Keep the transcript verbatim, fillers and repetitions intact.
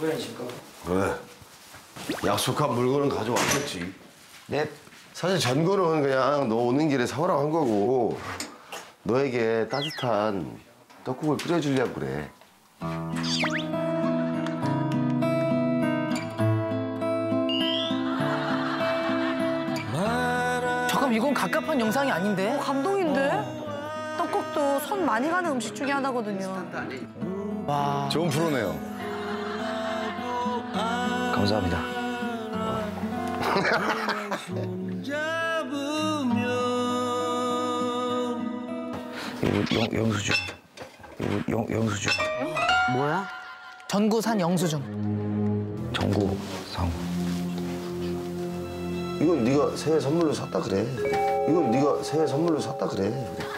소연이실까? 그래. 약속한 물건은 가져왔겠지. 네. 사실 전거는 그냥 너 오는 길에 사오라고 한 거고 너에게 따뜻한 떡국을 끓여주려고 그래. 잠깐 이건 갑갑한 영상이 아닌데? 어, 감동인데? 떡국도 손 많이 가는 음식 중에 하나거든요. 와. 좋은 프로네요. 감사합니다. 이거 영, 영수증. 이거 영, 영수증. 뭐야? 전구산 영수증. 정구상. 이건 네가 새해 선물로 샀다 그래. 이건 네가 새해 선물로 샀다 그래.